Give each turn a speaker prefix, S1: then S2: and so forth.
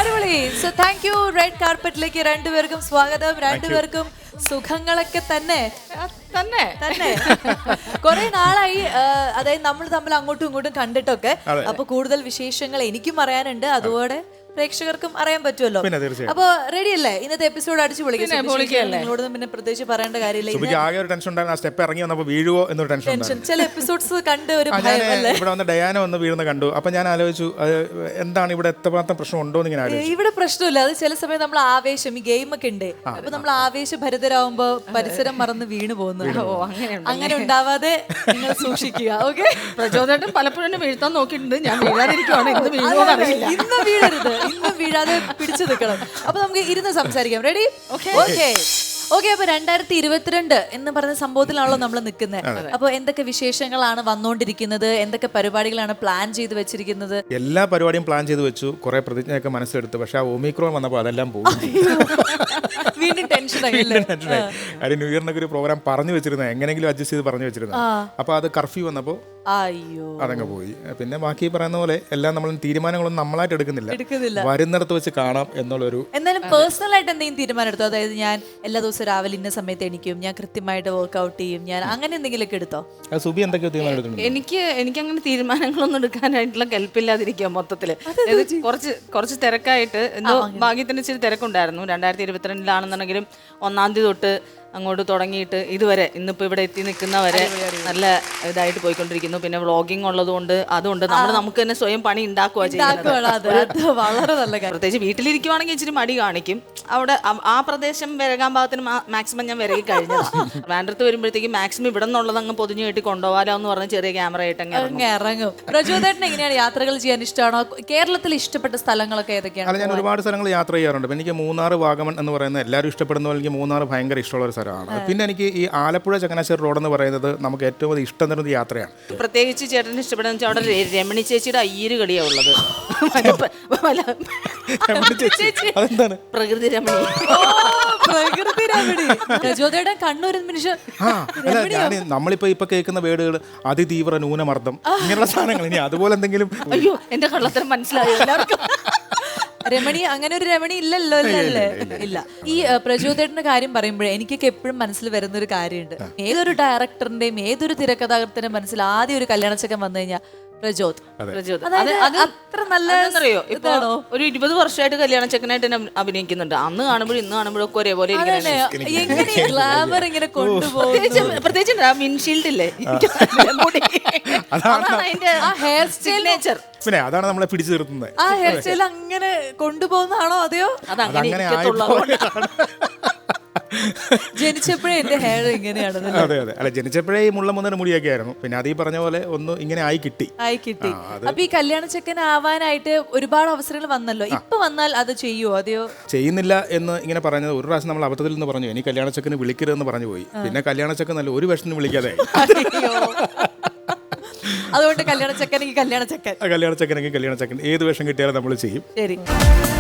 S1: അടിപൊളി. So thank you. Red കാർപ്പറ്റിലേക്ക് രണ്ടുപേർക്കും സ്വാഗതം. രണ്ടുപേർക്കും സുഖങ്ങളൊക്കെ തന്നെ തന്നെ തന്നെ കുറെ നാളായി, അതായത് നമ്മൾ തമ്മിൽ അങ്ങോട്ടും ഇങ്ങോട്ടും കണ്ടിട്ടൊക്കെ. അപ്പൊ കൂടുതൽ വിശേഷങ്ങൾ എനിക്കും അറിയാനുണ്ട്, അതുപോലെ പ്രേക്ഷകർക്കും അറിയാൻ പറ്റുമല്ലോ. അപ്പൊ റെഡി അല്ലേ? ഇന്നത്തെ എപ്പിസോഡ് അടിച്ചു പൊളിക്കുന്നോടൊന്നും പിന്നെ പ്രത്യേകിച്ച് പറയേണ്ട കാര്യമില്ല. ചില എപ്പിസോഡ്സ് കണ്ട് ഒരു
S2: ഇവിടെ വന്ന് ഡയാന വന്ന് വീഴുന്ന കണ്ടു. അപ്പൊ ഞാൻ ആലോചിച്ചു എന്താണ് ഇവിടെ എത്രമാത്രം പ്രശ്നം ഉണ്ടോ എന്ന് ഇങ്ങനെ.
S1: ഇവിടെ പ്രശ്നമില്ല. അത് ചില സമയം നമ്മൾ ആവേശം, ഈ ഗെയിം ഒക്കെ ഉണ്ട്, അപ്പൊ നമ്മൾ ആവേശഭരിതരാകുമ്പോ പരിസരം മറന്ന് വീണു പോകുന്നു. അങ്ങനെ ഉണ്ടാവാതെ നിങ്ങൾ സൂക്ഷിക്കുക. ഓക്കെ.
S3: പ്രചോദനം പലപ്പോഴും വീഴ്ത്താൻ നോക്കിയിട്ടുണ്ട്. ഞാൻ വീഴാതിരിക്കുവാണ്.
S1: ഇന്ന് വീഴരുത്, ഇന്ന് വീഴാതെ പിടിച്ചു നിൽക്കണം. അപ്പൊ നമുക്ക് ഇരുന്ന് സംസാരിക്കാം. റെഡി? ഓക്കെ. ഓക്കെ. അപ്പൊ 2022 എന്ന് പറഞ്ഞ സംഭവത്തിലാണല്ലോ നമ്മൾ നിൽക്കുന്നത്. അപ്പൊ എന്തൊക്കെ വിശേഷങ്ങളാണ് വന്നുകൊണ്ടിരിക്കുന്നത്? എന്തൊക്കെ പരിപാടികളാണ് പ്ലാൻ ചെയ്ത് വെച്ചിരിക്കുന്നത്?
S2: എല്ലാ പരിപാടിയും പ്ലാൻ ചെയ്ത് വെച്ചു, കുറെ പ്രതിജ്ഞയൊക്കെ മനസ്സിലെടുത്തു. പക്ഷെ ആ ഒമിക്രോൺ വന്നപ്പോൾ അതെല്ലാം പോകും.
S1: വീണ്ടും ടെൻഷനായി.
S2: കാര്യം ന്യൂ ഇയറിനൊക്കെ ഒരു പ്രോഗ്രാം പറഞ്ഞു വെച്ചിരുന്നത്, എങ്ങനെയെങ്കിലും അഡ്ജസ്റ്റ് ചെയ്ത് പറഞ്ഞു വെച്ചിരുന്നത്. അപ്പൊ അത് കർഫ്യൂ വന്നപ്പോൾ അതങ്ങ് പോയി. പിന്നെ ബാക്കി പറയുന്ന പോലെ എല്ലാം നമ്മൾ തീരുമാനങ്ങളൊന്നും നമ്മളായിട്ട് എടുക്കുന്നില്ല, വരുന്നിടത്ത് വെച്ച് കാണാം എന്നുള്ളൊരു.
S1: എന്നാലും പേഴ്സണൽ ആയിട്ട് എന്തെങ്കിലും തീരുമാനം എടുത്തോ? അതായത് ഞാൻ എല്ലാ ദിവസവും രാവിലെ ഇന്ന സമയത്ത് എണീക്കും, ഞാൻ കൃത്യമായിട്ട് വർക്ക്ഔട്ട് ചെയ്യും, ഞാൻ അങ്ങനെ എന്തെങ്കിലുമൊക്കെ എടുത്തോ?
S2: സുബി എന്തൊക്കെയോ തീരുമാനം എടുത്തിട്ടുണ്ട്?
S3: എനിക്ക് അങ്ങനെ തീരുമാനങ്ങളൊന്നും എടുക്കാനായിട്ടുള്ള കെൽപ്പില്ലാതിരിക്കുക മൊത്തത്തില്. കുറച്ച് തിരക്കായിട്ട് എന്തോ ഭാഗ്യത്തിന് ഇച്ചിരി തിരക്കുണ്ടായിരുന്നു. 2022 1-ാം തീയതി തൊട്ട് അങ്ങോട്ട് തുടങ്ങിയിട്ട് ഇതുവരെ ഇന്നിപ്പോ ഇവിടെ എത്തി നിൽക്കുന്നവരെ നല്ല ഇതായിട്ട് പോയിക്കൊണ്ടിരിക്കുന്നു. പിന്നെ വ്ളോഗിങ് ഉള്ളതുകൊണ്ട് അതുകൊണ്ട് നമുക്ക് തന്നെ സ്വയം പണി ഉണ്ടാക്കുക ചെയ്യുന്നത്.
S1: വളരെ നല്ല കാര്യം.
S3: പ്രത്യേകിച്ച് വീട്ടിലിരിക്കുവാണെങ്കിൽ ഇച്ചിരി മടി കാണിക്കും. അവിടെ ആ പ്രദേശം വിരകാൻ ഭാഗത്തിന് മാക്സിമം ഞാൻ വിരകി കഴിഞ്ഞതാണ്. വേണ്ടത്ത് വരുമ്പോഴത്തേക്ക് മാക്സിമം ഇവിടെ നിന്നുള്ളത് അങ്ങ് പൊതിഞ്ഞു കെട്ടി കൊണ്ടുപോകാലോ എന്ന് പറഞ്ഞ് ചെറിയ ക്യാമറ ആയിട്ട് അങ്ങ്
S1: ഇറങ്ങും. പ്രചോദനം എങ്ങനെയാണ് യാത്രകൾ ചെയ്യാൻ ഇഷ്ടമാണോ? കേരളത്തിൽ ഇഷ്ടപ്പെട്ട സ്ഥലങ്ങളൊക്കെ ഏതൊക്കെയാണ്?
S2: അല്ല, ഞാൻ ഒരുപാട് സ്ഥലങ്ങൾ യാത്ര ചെയ്യാറുണ്ട്. എനിക്ക് മൂന്നാർ, വാഗമൺ എന്ന് പറയുന്നത് എല്ലാവരും ഇഷ്ടപ്പെടുന്ന പോലെ എനിക്ക് മൂന്നാർ ഭയങ്കര ഇഷ്ടമുള്ള ഒരു സ്ഥലമാണ്. പിന്നെ എനിക്ക് ഈ ആലപ്പുഴ ചങ്ങനാശ്ശേരി റോഡ് എന്ന് പറയുന്നത് നമുക്ക് ഏറ്റവും അധികം ഇഷ്ടം തരുന്ന യാത്രയാണ്.
S3: പ്രത്യേകിച്ച് ചേട്ടന് ഇഷ്ടപ്പെടുന്ന വെച്ചാൽ അവിടെ രമണി ചേച്ചിയുടെ അയ്യര് കളിയാണ് ഉള്ളത്. പ്രകൃതി രമണി.
S1: കണ്ണൂർ നിമിഷം.
S2: നമ്മളിപ്പോ കേൾക്കുന്ന വേർഡുകൾ അതിതീവ്ര ന്യൂനമർദ്ദം ഇങ്ങനെയുള്ള സാധനങ്ങൾ. ഇനി അതുപോലെ എന്തെങ്കിലും.
S3: അയ്യോ, എന്റെ കള്ളത്തരം മനസ്സിലായോ എല്ലാവർക്കും?
S1: രമണി, അങ്ങനെ ഒരു രമണി ഇല്ലല്ലോ. ഇല്ല. ഈ പ്രചോദനത്തിന്റെ കാര്യം പറയുമ്പോഴേ എനിക്കൊക്കെ എപ്പോഴും മനസ്സിൽ വരുന്ന ഒരു കാര്യമുണ്ട്. ഏതൊരു ഡയറക്ടറിന്റെയും ഏതൊരു തിരക്കഥാകൃത്തിന്റെ മനസ്സിൽ ആദ്യം ഒരു കല്യാണച്ചക്കൻ വന്നു കഴിഞ്ഞാൽ പ്രചോദ്. അത്ര നല്ലറിയോ?
S3: ഇപ്പൊ ഒരു 20 വർഷമായിട്ട് കല്യാണ ചെക്കനായിട്ട് തന്നെ അഭിനയിക്കുന്നുണ്ട്. അന്ന് കാണുമ്പോഴും ഇന്ന് കാണുമ്പോഴൊക്കെ ഒരേപോലെ
S1: ഗ്ലാമർ ഇങ്ങനെ കൊണ്ടുപോകും.
S3: പ്രത്യേകിച്ച് വിൻഷീൽഡ് ഇല്ലേ,
S1: ഹെയർ സ്റ്റൈൽ.
S2: പിന്നെ അതാണ് നമ്മളെ പിടിച്ചു നിർത്തുന്നത്.
S1: ആ ഹെയർ സ്റ്റൈൽ അങ്ങനെ കൊണ്ടുപോകുന്നതാണോ അതെയോ? ജനിച്ചപ്പോഴേ എന്റെ ഹെയർ ഇങ്ങനെയാണ്.
S2: അതെ. അല്ല, ജനിച്ചപ്പോഴേ ഈ മുള്ള മുന്നേറെ മുടിയൊക്കെ ആയിരുന്നു. പിന്നെ അത് ഈ പറഞ്ഞ പോലെ ഒന്ന് ഇങ്ങനെ ആയി കിട്ടി.
S1: അപ്പൊ ഈ കല്യാണ ചെക്കൻ ആവാനായിട്ട് ഒരുപാട് അവസരങ്ങൾ വന്നല്ലോ. ഇപ്പൊ വന്നാൽ അത് ചെയ്യുവോ അതെയോ?
S2: ചെയ്യുന്നില്ല എന്ന് ഇങ്ങനെ പറഞ്ഞത് ഒരു പ്രാവശ്യം നമ്മൾ അബദ്ധത്തിൽ നിന്ന് പറഞ്ഞു, ഇനി കല്യാണ ചെക്കന് വിളിക്കരുതെന്ന് പറഞ്ഞു പോയി. പിന്നെ കല്യാണ ചെക്കൻ നല്ല ഒരു വേഷത്തിന് വിളിക്കാതെ.
S1: അതുകൊണ്ട് കല്യാണ ചെക്കനെങ്കിൽ കല്യാണ ചെക്കൻ
S2: ഏത് വേഷം കിട്ടിയാലും നമ്മൾ ചെയ്യും.
S1: ശരി.